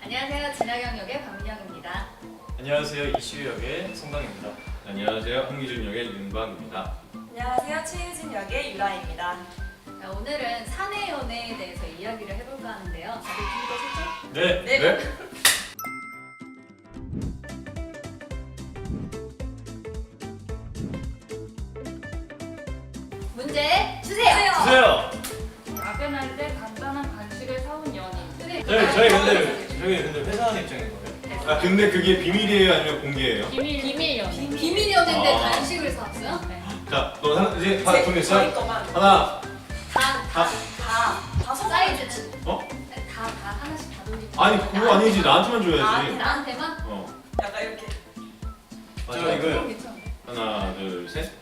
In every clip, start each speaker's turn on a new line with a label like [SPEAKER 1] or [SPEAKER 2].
[SPEAKER 1] 안녕하세요. 진하경 역의 박민영입니다.
[SPEAKER 2] 안녕하세요. 이시우 역의 송강입니다.
[SPEAKER 3] 안녕하세요. 황기준 역의 윤광입니다.
[SPEAKER 4] 안녕하세요. 최유진 역의 유라입니다.
[SPEAKER 1] 자, 오늘은 사내 연애에 대해서 이야기를 해볼까 하는데요. 다들 준비되셨죠?
[SPEAKER 2] 네.
[SPEAKER 4] 네.
[SPEAKER 1] 문제 주세요.
[SPEAKER 2] 주세요.
[SPEAKER 5] 야근할 때 간단한 간식을 사온 연인.
[SPEAKER 2] 저희 근데 회사원 입장인 거예요?
[SPEAKER 3] 아 근데 그게 비밀이에요 아니면 공개예요?
[SPEAKER 5] 비밀 연인.
[SPEAKER 1] 비밀 연애인데
[SPEAKER 3] 아.
[SPEAKER 1] 간식을 사왔어요?
[SPEAKER 5] 네.
[SPEAKER 3] 자, 너 하나 이제 다
[SPEAKER 4] 저희
[SPEAKER 3] 정했어요?
[SPEAKER 4] 거만
[SPEAKER 3] 하나,
[SPEAKER 4] 다
[SPEAKER 1] 사이즈는
[SPEAKER 4] 어?
[SPEAKER 1] 다 하나씩 다 돌리죠.
[SPEAKER 3] 아니 그거 아니지 나한테만 줘야지.
[SPEAKER 1] 나한테만?
[SPEAKER 3] 어,
[SPEAKER 4] 약간 이렇게.
[SPEAKER 2] 맞아
[SPEAKER 1] 그럼
[SPEAKER 2] 이거.
[SPEAKER 1] 괜찮아.
[SPEAKER 3] 하나, 둘, 셋.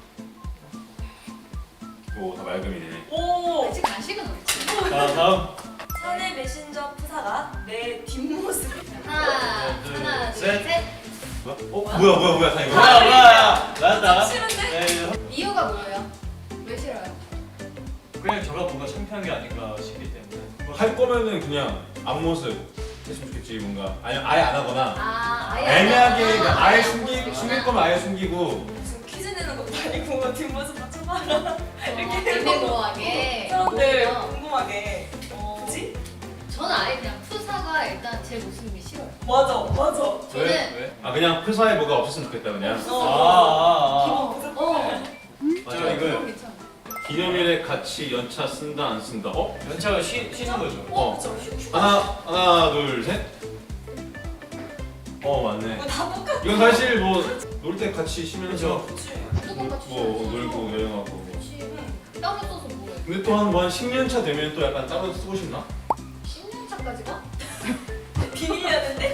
[SPEAKER 3] 오, 다 말금이네.
[SPEAKER 4] 오!
[SPEAKER 1] 아직 간식은 없지.
[SPEAKER 2] 자 다음.
[SPEAKER 4] 사내 메신저 프사가 내 뒷모습.
[SPEAKER 1] 하나, 둘, 셋.
[SPEAKER 3] 뭐야, 다 이거.
[SPEAKER 2] 뭐야. 나왔다.
[SPEAKER 4] 싫은데?
[SPEAKER 2] 네.
[SPEAKER 1] 이유가 뭐예요? 왜 싫어요?
[SPEAKER 2] 그냥 저가 뭔가 창피한 게 아닌가 싶기 때문에.
[SPEAKER 3] 할 거면은 그냥 앞모습 했으면 좋겠지 뭔가. 아니 아예 안 하거나.
[SPEAKER 1] 아예
[SPEAKER 3] 애매하게
[SPEAKER 1] 안
[SPEAKER 3] 그러니까
[SPEAKER 1] 하거나.
[SPEAKER 3] 아예 숨길 거면 아예 숨기고.
[SPEAKER 4] 무슨 퀴즈 내는 것도 아니고 뒷모습 맞춰봐라.
[SPEAKER 1] 애매모호하게.
[SPEAKER 4] 사람들
[SPEAKER 1] 오히려
[SPEAKER 4] 궁금하게. 그치?
[SPEAKER 1] 저는 아예 그냥 푸사가 일단 제 모습이 싫어요.
[SPEAKER 4] 맞아.
[SPEAKER 1] 저는
[SPEAKER 2] 왜?
[SPEAKER 3] 아 그냥 프사에 뭐가 없었으면 좋겠다 그냥.
[SPEAKER 1] 기본
[SPEAKER 4] 무슨
[SPEAKER 1] 어.
[SPEAKER 2] 맞아 이거.
[SPEAKER 1] 괜찮아.
[SPEAKER 3] 기념일에 같이 연차 쓴다 안 쓴다. 어?
[SPEAKER 2] 연차가 쉬는 거죠.
[SPEAKER 3] 어.
[SPEAKER 4] 그쵸? 휴
[SPEAKER 3] 하나, 둘, 셋. 맞네.
[SPEAKER 4] 이거 다 똑같아.
[SPEAKER 3] 이건 사실 뭐 놀 때 같이 쉬면서
[SPEAKER 4] 그치?
[SPEAKER 1] 무조건 같이
[SPEAKER 3] 뭐 놀고 여행하고. 뭐.
[SPEAKER 1] 그치. 따로 써서 뭐해?
[SPEAKER 3] 근데 또 한 10년 차 되면 또 약간 따로 쓰고 싶나?
[SPEAKER 1] 10년 차까지 가?
[SPEAKER 4] 비밀이었는데?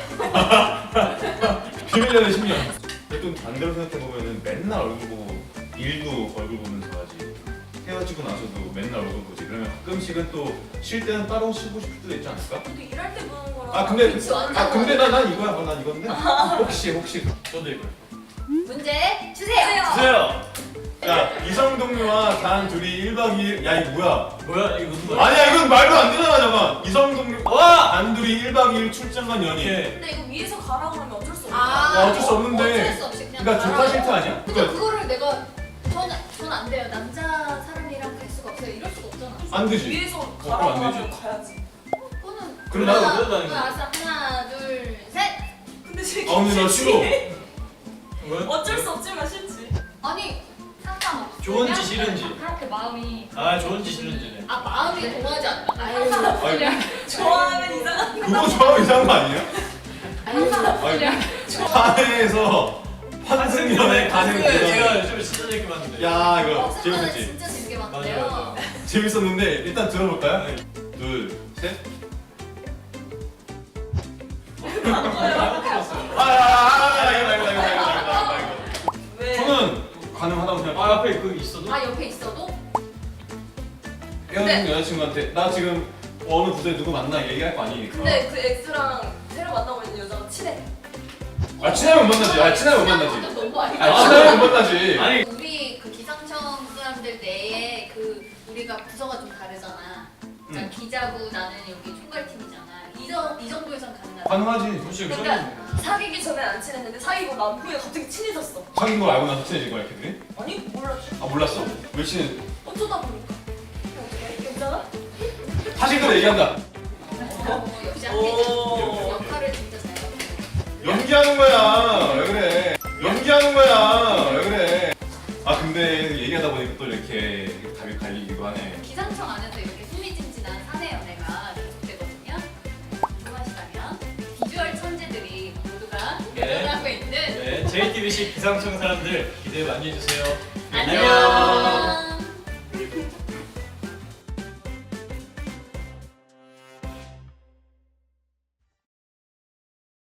[SPEAKER 3] 비밀연애 10년. 근데 또 반대로 생각해 보면은 맨날 얼굴 보고 일도 얼굴 보면서 하지. 헤어지고 나서도 맨날 얼굴 보지. 그러면 가끔씩은 또 쉴 때는 따로 쉬고 싶을 때도 있지 않을까?
[SPEAKER 4] 근데 일할 때 보는 거랑.
[SPEAKER 3] 아 근데
[SPEAKER 1] 그치, 완전
[SPEAKER 3] 난 이거야. 난 이건데. 혹시
[SPEAKER 2] 저도 이거.
[SPEAKER 1] 문제 주세요.
[SPEAKER 2] 주세요.
[SPEAKER 3] 야 이성 동료와 단 둘이 1박 2일 야 이거 뭐야?
[SPEAKER 2] 뭐야 이거 누구야?
[SPEAKER 3] 아니야 이건 말도 안 되잖아 잠깐. 이성 동료
[SPEAKER 2] 와.
[SPEAKER 3] 단둘이 1박 2일 출장 간 연인.
[SPEAKER 2] 이렇게.
[SPEAKER 4] 근데 이거 위에서 가라고 하면 어쩔 수 없어.
[SPEAKER 1] 아,
[SPEAKER 3] 어쩔 수 없는데.
[SPEAKER 1] 어쩔 수 없이 그냥.
[SPEAKER 3] 그러니까 좋다
[SPEAKER 1] 가라고.
[SPEAKER 3] 싫다 아니야?
[SPEAKER 1] 근데
[SPEAKER 3] 그러니까
[SPEAKER 1] 그거를 내가 저는 안 돼요. 남자 사람이랑 갈 수가 없어요. 이럴 수가 없잖아.
[SPEAKER 3] 안 되지.
[SPEAKER 4] 위에서
[SPEAKER 3] 그럼
[SPEAKER 4] 가라고
[SPEAKER 3] 안 되지.
[SPEAKER 4] 하면 가야지.
[SPEAKER 1] 그거는
[SPEAKER 3] 그럼
[SPEAKER 2] 나도
[SPEAKER 1] 하나,
[SPEAKER 2] 그러다니까.
[SPEAKER 1] 알았어. 하나, 둘, 셋.
[SPEAKER 4] 근데 지금
[SPEAKER 3] 아 근데 나 싫어.
[SPEAKER 2] 뭐야?
[SPEAKER 4] 어쩔 수 없지만 싫지.
[SPEAKER 1] 아니 상관없어.
[SPEAKER 2] 좋은지 싫은지.
[SPEAKER 5] 그렇게 마음이
[SPEAKER 2] 아 좋은지 싫은지네.
[SPEAKER 1] 아 마음이 동하지 않나? 아유.
[SPEAKER 3] 아니,
[SPEAKER 4] 좋아하면 이상한
[SPEAKER 3] 그거 좋아하면 이상한 거 아니에요?
[SPEAKER 5] 그냥
[SPEAKER 3] 사내에서 환승연애 가는
[SPEAKER 2] 제가
[SPEAKER 3] 그런.
[SPEAKER 2] 요즘에 진짜 재밌게 봤는데.
[SPEAKER 3] 야 이거
[SPEAKER 1] 어,
[SPEAKER 3] 재밌었지?
[SPEAKER 1] 진짜 재밌게
[SPEAKER 2] 맞아,
[SPEAKER 1] 봤는데요.
[SPEAKER 2] 맞아.
[SPEAKER 3] 재밌었는데 일단 들어볼까요? 둘, 셋.
[SPEAKER 2] 잘못 들었어요.
[SPEAKER 4] 왜?
[SPEAKER 3] 저는 가능하다고
[SPEAKER 2] 아
[SPEAKER 3] 생각해요.
[SPEAKER 2] 앞에 그 있어도?
[SPEAKER 1] 아 옆에 있어도?
[SPEAKER 3] 헤어진 여자친구한테 나 지금 어느 부서에 누구 만나 얘기할 거 아니니까.
[SPEAKER 4] 근데 그 엑스랑 새로 만나고 있는 여자가 친해.
[SPEAKER 3] 아 친하면 못 만나지. 아 친하면 못
[SPEAKER 1] 친한
[SPEAKER 3] 만나지.
[SPEAKER 1] 것도 너무 아니야.
[SPEAKER 3] 아 친하면 못 만나지.
[SPEAKER 2] 아니
[SPEAKER 1] 우리 그 기상청 사람들 내에 그 우리가 부서가 좀 다르잖아. 난 기자고 나는 여기 총괄팀이잖아. 이 정도에선 가능하다.
[SPEAKER 3] 가능하지.
[SPEAKER 2] 솔직히
[SPEAKER 4] 그러니까 사귀기 전에 안 친했는데 사귀고 난 후에 갑자기 친해졌어.
[SPEAKER 3] 사귄 걸 알고 나서 친해진 거야 걔들이?
[SPEAKER 4] 아니 몰랐지.
[SPEAKER 3] 아 몰랐어? 왜 친해?
[SPEAKER 4] 어쩌다 보니까. 어떻게? 괜찮아?
[SPEAKER 3] 사실대로 얘기한다.
[SPEAKER 1] 역시
[SPEAKER 4] 오.
[SPEAKER 1] 역할을 진짜 잘 하고.
[SPEAKER 3] 연기하는 거야. 왜 그래? 연기하는 거야. 왜 그래? 아 근데 얘기하다 보니까 또 이렇게 답이 갈리기도 하네.
[SPEAKER 1] 기상청 안에서 이렇게 흥미진진한 사내 연애가 계속되거든요. 궁금하시다면 비주얼 천재들이 모두가
[SPEAKER 2] 네.
[SPEAKER 1] 대변하고 있는
[SPEAKER 2] 네 JTBC 기상청 사람들 기대 많이 해주세요.
[SPEAKER 1] 안녕.